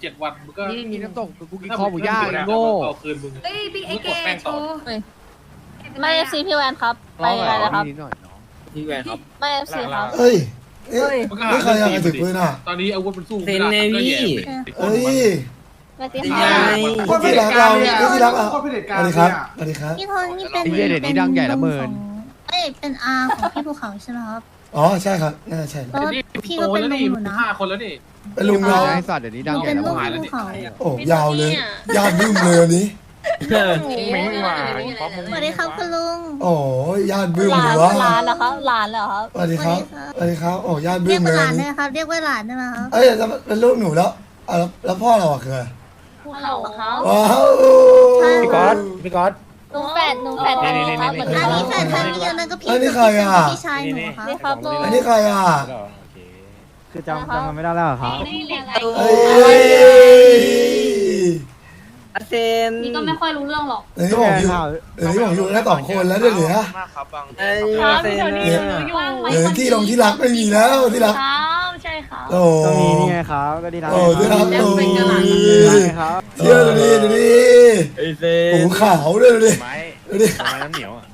7 วันมึงก็นี่มีน้ำตกกูกินคอหมูย่างโง่เอาคืนมึงเอ้ยพี่ไอเกโชว์ไม่เอฟซีพี่แวนครับไปอะไรนะครับนิดหน่อยเนาะพี่แวนครับไม่เอฟซีครับเอ้ยนี่ใครอยากถือปืนอ่ะตอนนี้อาวุธมันสู้เซนเนวี่เอ้ยไม่ติดยังค่ะไงคนที่รักเราคนที่รักเราโคตรเผด็จสการวัสเลดียครับอะสวัสดีครับพี่โทนี่เป็นไอ้เหี้ยเดี๋ยวนี้ดังใหญ่ละเมินเอ้ยเป็นอาของพี่ภูเขาใช่ไหมครับอ๋อใช่ครับน่าใช่แล้วพี่ก็เป็นลุงอยู่นะ 5 คนแล้วนี่เป็นลุงเราไอ้สัตว์เดี๋ยวนี้ดังใหญ่เป็นละลูกเมินพี่ภูเขาโอ้ยาวเลยยาวบึ้มเลยวันนี้ไม่มาสวัสดีครับคุณลุงโอ้ยญาติบึ้มหลาเลนยวะหลานเหรอครับหลานเหรอครับสวัสดีครับสวัสดีครับโอ้ญาติบึ้เรียมกเลว่าย หลานวันได้นี้ไหมครับ เรียกว่าหลานได้ไหมครับเอ้ยจะเป็นลูกหนูแล้วแล้วพ่อเราอะคืออะไรภูเขาเขาว้าวพี่ก๊อตหนุ่มแฝดคนนี้ครับเหมือนอันกันนี้แฟนคนนี้นั่นก็พี่อันนี้ใครอะพี่ชายหนูครับนี่ครับลุงอันนี้ใครอ่ะคือจำกันไม่ได้แล้วครับเอ้ยอาเซนนี่ก็ไม่ค่อยรู้เรื่องหรอกเดี๋ยวนี้ผมอยู่แค่2 คนแล้วเดี๋ยวเหลือไอ้ครับเซพี่นโทนี่เนี่ยเหลือที่รักไม่มีแล้วที่รักครับใช่ครับโอ้ก็มีนี่ไงครับก็ดีนะโอ้ที่รักโอ้ยครับเที่ยวดูดิไอ้เซหูนขาวด้วยดูดิดูดิไม้น้ำเหนียวอ่ะ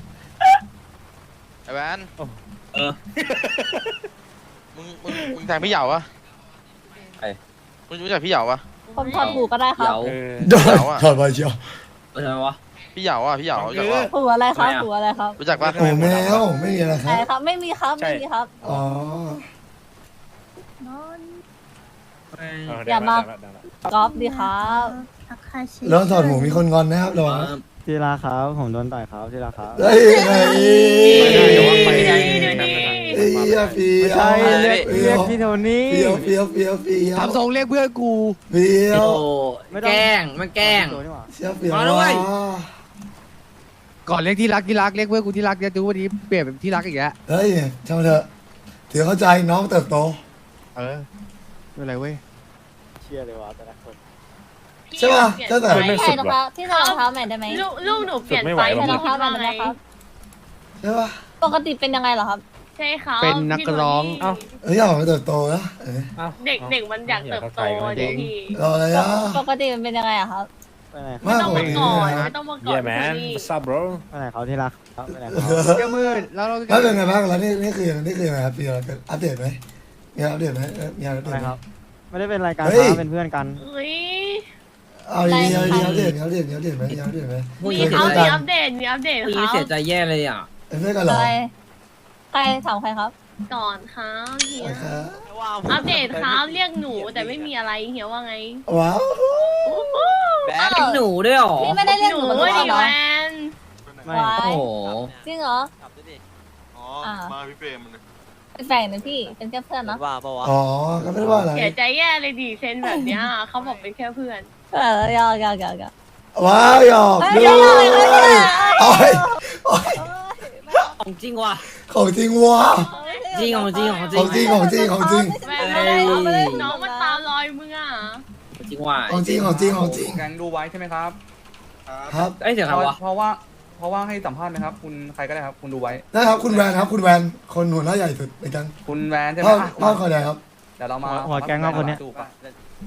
ไอ้แวนเออมึงแทงพี่เหยาวะมึงรู้จักพี่เหยาวะผมถอดหูก็ได้ครับเดี๋ยวโดนถอดไปเชียวอะไรวะพี่เหยาวอ่ะพี่เหยาวรู้จักปะหูอะไรครับหูอะไรครับรู้จักปะโอ้แมวไม่มีอะไรคไหนรับครับไม่มีครับไม่มีครับอ๋ออย่ามากอล์ฟดีครับทักทายชีแล้วถอดหมูมีคนงอนนะครับระวังที่รักครับผมโดนต่อยครับที่รักครับเฮ้ยไงไปไหนเฮ้ยฟีไม่ใช่เรียกพี่โทนี่เฟียวทำทรงเรียกเพื่อนกูเฟียโอ้วแกล้งมันแกล้งเชี่ยเฟียวมาแล้วเว้ยก่อนเรียกที่รักเรียกเพื่อนกูที่รักจะดูวันนี้เปลี่ยนเป็นที่รักอีกแล้วเฮ้ยช่างมันเถอะถือเข้าใจน้องเติบโตเออไม่เป็นไรเว้ยเชื่อเลยว่าแต่ละคนใช่ป่ะตั้งแต่ใช่นะครับที่ใส่รองเท้าใหม่ได้ไหมลูกหนูเปลี่ยนไปใส่รองเท้าใหม่ได้ไหมครับใช่ป่ะปกติเป็นยังไงเหรอครับใช่ครับเป็นนักร้องเฮ้ยอยากให้มันเติบโตนะเอ้ยเด็กมันอยากเติบโตเด็กพี่รออะไรอ่ะปกติมันเป็นยังไงอะครับไปไหนไม่ต้องกมาว่านี้ก่อนนะไม่ต้องมาก่อน Yeah man what's up bro ไปไหนเขาที่รักครับไปไหนเจ้ามืดแล้วเราแล้วเป็นไงบ้างแล้วนี่คือยังไงครับพี่อัปเดตไหมมีอัปเดตไหมมีอัปเดตอะไรไหมครับ ไม่ได้เป็นรายการเฮ้ยครับเป็นเพื่อนกันเฮ้ยเอาดีๆอัปเดตไหมมีอัปเดตไหมมีเคยเอาเจอมีกันอัปเดตมีอัปเดตผู้หคญิงรับเสียใจแย่เลยอ่ะเป็นเพื่อนกันเหรอใครถามใครครับก่อนครับเฮียครับอัปเดตครับเรียกหนูแต่ไม่มีอะไรเฮียว่าไงว้าวเป็นหนูด้วยเหรอพี่ไม่ได้เรียกหหนูนูมาทุกดิวันเหรอแวนไม่วาโอ้ยโหจริงเหรออ๋ออ่ามาพี่เปรมมันเป็นแฟนนะพี่เป็นแค่เพื่อนเนาะอ๋อก็ไม่ได้ว่าอะไรเสียใจแย่เลยดิเซนแบบเนี้ยเขาบอกเป็นแค่เพื่อนยอกว้าวหยอกด้วยโอ้ยของจริงว่ะของจริงว่ะจริงของจริงของจริของ งจริงของจริงของจริงแวนน้องมันตามรอยมึงอ่ะจริงว่ะของจริงของจริงของจริงแกงดูไว้ใช่ไหมครับครับเอ้ยเสียงอะไรวะเพราะว่าให้สัมภาษณ์ไหมครับ คุณใครก็ได้ครับคุณดูไว้นะครับคุณแวนครับคุณแวนคนหัวหน้าใหญ่สุดในกันคุณแวนใช่ไหมพ่อคอยแดงครับเดี๋ยวเรามาหัวแก๊งครับคนเนี้ยดูปะ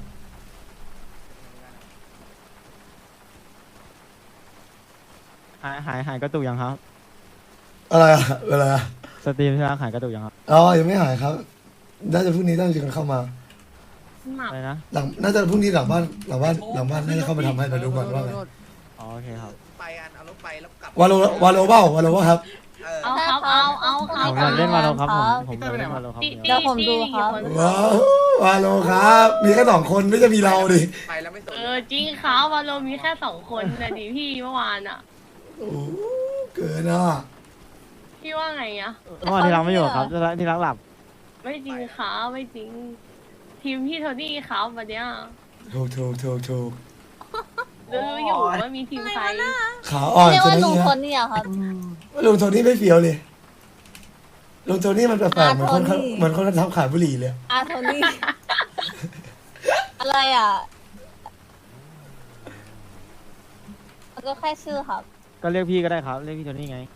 หายกระตุกยังครับอะไรอะอะไรอะสตรีมที่รักหายกระตุกยังครับอ๋อยังไม่หายครับน่าจะพรุ่งนี้ต้องจะกันเข้ามาหมักอะไรนะหลังน่าจะพรุ่งนี้หลังบ้านน่าจะเข้ามาทำให้ไปดูก่อนว่าไงอ๋อโอเคครับไปกันเอารถไปแล้วกลับวาโลเบ้าวาโลว่าครับเอาครับเอาคผรับมอยากเล่นมาโลครับผมอยากเล่นมาโลครับเดี๋ยวผมดูครับว้าววาโลครับ มีแค่2 คนไม่จะมีเราดิไปแล้วไม่สนจริงครับวันเรามีแค่2 คนนะดิพี่เมื่อวานอ่ะโอ้เกินอ่ะพี่ว่าไงอ่ะเมื่อวานที่รักไม่อยู่ครับที่รักหลับไม่จริงครับไม่จริง ทีมพี่โทนี่ครับวันเนี้ยถูกรู้อยู่ว่ามีทีมใครขาอ่อนเรียกจนว่านี้ลุงเนี่ยคนนี่อะครับลุงโทนี่ไม่เฟี้ยวเลยลุงโทนี่มันแปลกๆเหมือนคนทำขายบุหรี่เลยอาโทนี่ อะไรอ่ะมันก็แค่ชื่อครับก็เรียกพี่ก็ได้ครับเรียกพี่โทนี่ไง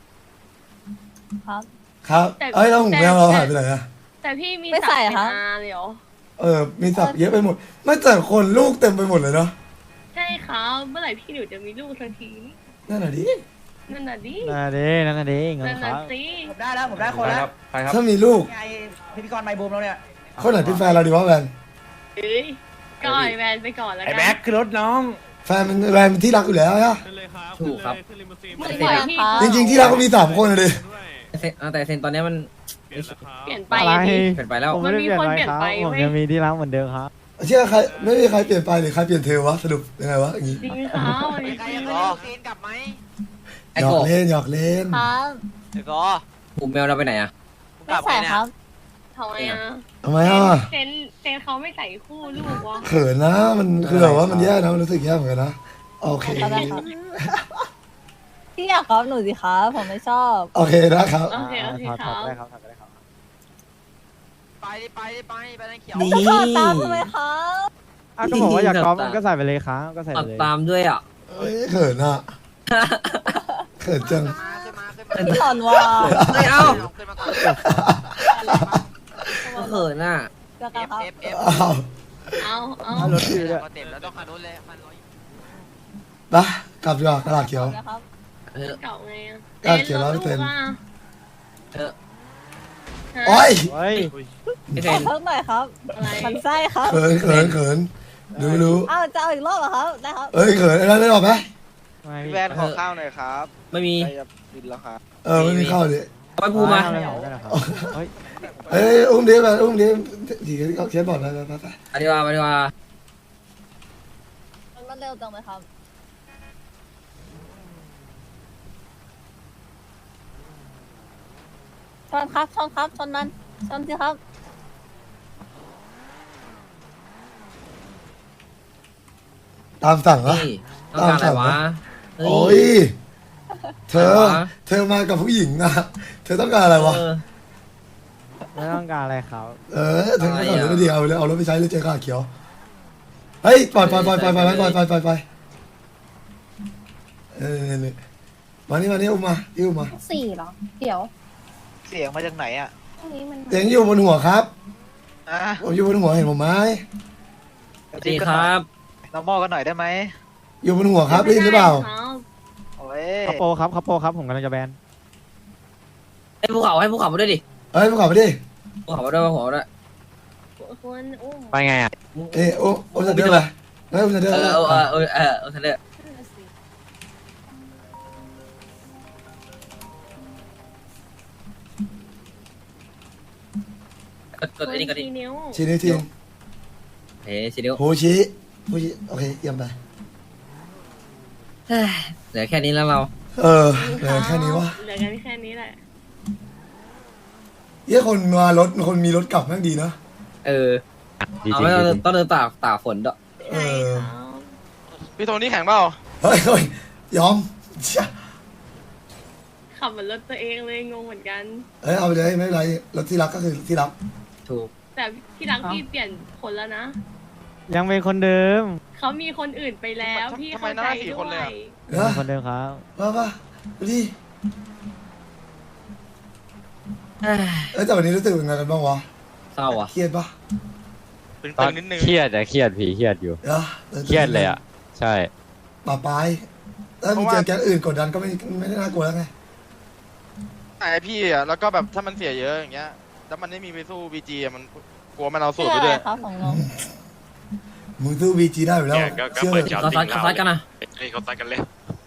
ครับครับเอ้ยแล้วหูแมวเราหายไปไหนอะแต่พี่มีไม่ใส่เหรอศักดิ์คะเป็นอาเลยเหรอมีศักดิ์เยอะไปหมด ไม่แต่คนลูกเต็มไปหมดเลยเนาะใช่ครับเมื่อไหร่พี่หนูจะมีลูกสักทีนั่นแหละดินั่นน่ะดินั่นดิเงินนั่นคน่ะรับสิผมได้แล้วผมได้คนใครแล้คว รับใครครับถ้ามีลูกไงพิธีกรไมค์บูมแล้วเนี่ยคนไหนเป็นแฟนเราดีวะแวนเอ้ยก็ไอแวนไปก่อนแล้วไอ้กัแบ็คคือรถน้องแฟนมันแวนเป็นที่รักอยู่แล้วอะถูกครับพี่แวนครับจริงๆที่รักก็มี3 คนเลยแต่เซนตอนนี้มันเปลี่ยนไปอะไรอะดิเปลี่ยนไปแล้วผมไม่ได้เปลี่ยนไปครับมันมีคนเปลี่ยนไปผมเว้ยยังมีที่รักเหมือนเดิมครับเชื่อใครไม่มีใครเปลี่ยนไปหรือใครเปลี่ยนเธอวะสรุปยังไงวะอย่างงี้จริงครับจริงไอ้หยอโกกเล่นหยอกเล่นครับเดี๋ยวก็ผมแมวเราไปไหนอ่ะไม่ใส่ครับทำไมอ่ะทำไมอ่ะเซนเขาไม่ใส่คู่ลูกวะเขินนะมันคือแบบว่ามันแย่นะมันรู้สึกแย่เหมือนกันนะโอเคก็ได้ครับพี่อยากครับหนูสิครับผมไม่ชอบโอเคนะครับโอเคคถอดรับได้ครับถอดได้ครับไปนั่นเขียวนี่จะขอตามทำไมครับอ้าวก็บอกว่าอยากกอล์ฟมันก็ใส่ไปเลยครับก็ใส่ตัไปดเลยตามด้วยอ่ะเอ้ยเขินอ่ะเขินจังพี่หลอนว่าไม่เอาขึ้นมาก่อนก็เขินอ่ะจะกลับครับอ้าวเอารถพี่ด้วยเต็มแล้วต้องคันนู้นเลยคันร้อยไปกลับดีกว่ากระดาษเขียวนะครับเออเก่าไงอ่ะก็เขียนร้อยเปอร์เซ็นต์เออโอ้ยเฮ้ยไอ้เซขอน เพิ่มหน่อยครับอะไรมันไส้ครับเขินรู้อ้าวจะเอาอีกรอบเหรอครับได้ครับเอ้ยเขินอะไรไม่บอกไหมไม่พี่แวนขอข้าวหน่อยครับไม่มีใกล้จะบินแล้วครับไม่มีเข้าดิเอาไปพูมาเฮ้ยเอ้ยอุ้มดิไปอุ้มดิดีเขาเขียนบอร์ดไปไปดีกว่าไปดีกว่ามันเร็วจังเลยครับชนครับชนครับชนมันชนสิครับตามสั่งเหรอนี่ต้องการอะไรวะเฮ้โอ้ยเธอมากับผู้หญิงนะเธอต้องการอะไรวะเออไม่ต้องการอะไรครับเธอก็สอนไม่ดีเอาเลยเอารถไปใช้เลยเจอข้าเขียวเฮ้ยปล่อยมานี่อุ้มมาอุ้มมา 4เหรอ เดี๋ยวเสียงมาจากไหนอ่ะพรุ่งนี้มันเสียงอยู่บนหัวครับอ่ะผมอยู่บนหัวเห็นผมไหมสวัสดีครับน้องมอกันหน่อยได้ไหมอยู่บนหัวครับได้ยินหรือเปล่าโอ้ยคัปโปครับผมกำลังจะแบนให้ภูเขามาด้วยดิเฮ้ยมึงขับไปดิภูเขามาด้วยภูเขามาด้วยควรอุ้มไปไงอ่ะโอ้จะเดินไปไม่อุ้มจะเดินทะเลกดอันนี้ก็ดินิ้วชี้นิ้วทีเฮ้ยชิเดียวโหชี้โอเคเยี่ยมไปเหลือแค่นี้แล้วเราเหลือแค่นี้วะเหลือกันแค่นี้แหละเยี่ยคนมารถคนมีรถกลับแม่งดีนะเออเอาไม่ต้องเดินตากฝนด้วยใช่ครับพี่โทนี่แข่งเปล่าเฮ้ยยอมเชี่ยขับเหมือนรถตัวเองเลยงงเหมือนกันเอาไปเลยไม่เป็นไรรถที่รักก็คือที่รักถูกแต่ที่รักพี่เปลี่ยนคนแล้วนะยังเป็นคนเดิมเขามีคนอื่นไปแล้วพี่เข้าใจด้วยนะคนเดิมครับมาดูดิแต่วันนี้รู้สึกยังไงกันบ้างวะเศร้าอ่ะเครียดปะตึงๆนิดนึงเครียดอะเครียดผีเครียดอยู่ เครียดเลยอะใช่ป่าปลายถ้ามึงเจอแก๊งอื่นกดดันก็ไม่ได้น่ากลัวแล้วไงไอพี่อ่ะแล้วก็แบบถ้ามันเสียเยอะอย่างเงี้ยแล้วมันไม่มีไปสู้บีจีมันกลัวมันเอาสูตรไปด้วยครับของน้องมึงสู้บีจีได้อยู่แล้วเชื่อเลยเขาซัดกันนะเขาตัดกันเลย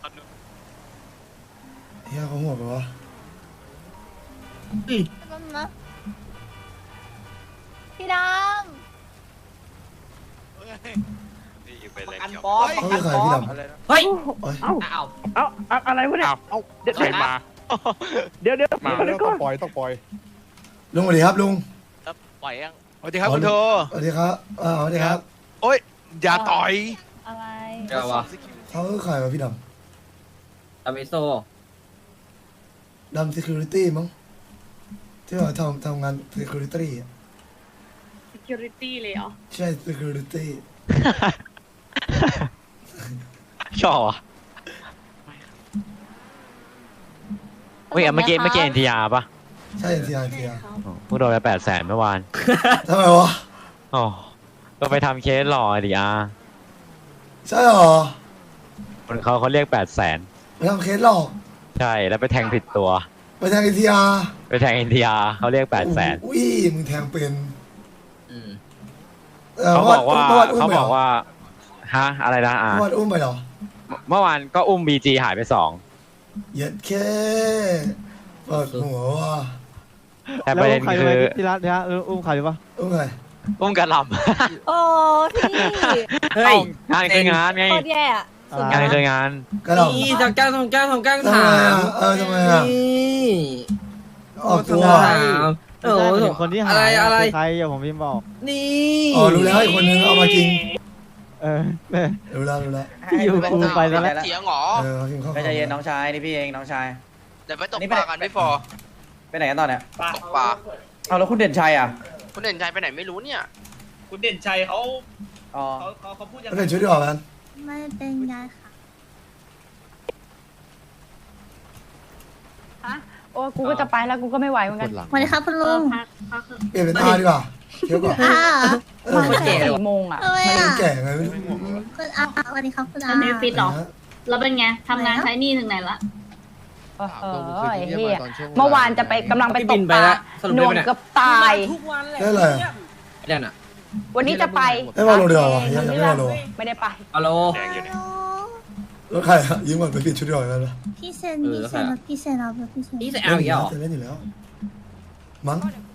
เฮียเขาหัวไปวะนะพี่ดนี่อยู่ไปเลยกันเขียวบอสเขาคือใครพี่ดำอะไรนะเฮ้ยเอ้ยเอาอะไรวะเนี่ยเอาใครมาเดี๋ยวมาต้องปล่อยลุงสวัสดีครับลุงปล่อยยังสวัสดีครับคุณโทสวัสดีครับสวัสดีครับโอ้ยอย่าต่อยำอะไรเจ้าวะเขาคือใครวะพี่ดอามิโซำดำ security มั้งที่ว่าทำงาน security อะ security เลยเหรอใช่ security ชอบอ่ะเมื่อกี้เอ็นทีอาร์ป่ะใช่ NTR ใช่ครับเพิ่งโดนไป800,000เมื่อวานทำไมวะอ๋อก็ไปทำเคสหล่อดิอาใช่หรอคนเขาเรียก800,000 ไปทำเคสหลอกใช่แล้วไปแทงผิดตัวไปทางATR ไปแทง NTR เขาเรียก800,000 อุ้ยมึงแทงเป็นอืมเขาบอกว่ามื่นเขาบอกว่าฮะอะไรนะอาเมื่อวานอุ้มไปเหรอเมื่อวานก็อุ้ม BG หายไป2 เย็ดแค่เปิดหัวว่ะแต่ประเด็นคือที่รักเนี่ยอุ้มใครหรือเปล่าอุ้มไงอุ้มกระหลโอ้พี่เฮ้ยำงานคืองานไงโคตรแย่อะสุดงานยอดคืองานกระหล่นี่ทำแกล้งทำแกล้งทำแกล้งำทำถาไมมอ่ะทำไมอ่ะนี่ออกตัวถามโอ้โหคนที่หาอะไรอะไรใครอย่าผมพิมพ์บอกนี่อ๋อรู้แล้วอีกคนนึงเอามาจริงเออรู้แล้วรู้แล้วที่อยู่กูไปแล้วเถียงเหรอเอากินข้าวไม่ใจเย็นน้องชายนี่พี่เองน้องชายเดี๋ยวไปตกปลากันพี่ฟอร์ไปไหนกันตอนเนี้ยตกปลาเอาแล้วคุณเด่นชัยอ่ะคุณเด่นชัยไปไหนไม่รู้เนี่ยคุณเด่นชัยเขาอ๋อเขาพูดยังแล้วไงเป็นชุดที่ออกกันไม่เป็นไรค่ะโอ้กูก็จะไปแล้วกูก็ไม่ไหวเหมือนกันสวัสดีครับคุณลุงเปลี่ยนเป็นท่าดีกว่าเที่ยวก่อนอ่ามา4 โมงอ่ะทำไมมันอ่ะแก่ไงไม่รู้คุณอาสวัสดีครับคุณอาอันนี้ฟิตเหรอนะแล้วเป็นไงทำงานใช้หนี่ถึงไหนละเออไอ้เหี้ยเมื่อวานจะไปกำลังไปตบิกนปไปลาแล้วสรุปหได้น่วไหมงเนี่ยเกือบตายทุกวันเลยได้อะไรอ่ะนั่นอ่ะวันนี้จะไปได้วาโลเดียวเหรอยังไม่วาโลไม่ได้ไปฮัลโหลแล้วใครอ่ะยิ้มก่อนไปเปลี่ยนชุดที่ออกกันเหรอพี่เซนพี่เซนพี่เซนเอาพี่เซนนี่ใส่เอาอีกแล้วเหรอจะเล่นอยู่แล้วมั้ง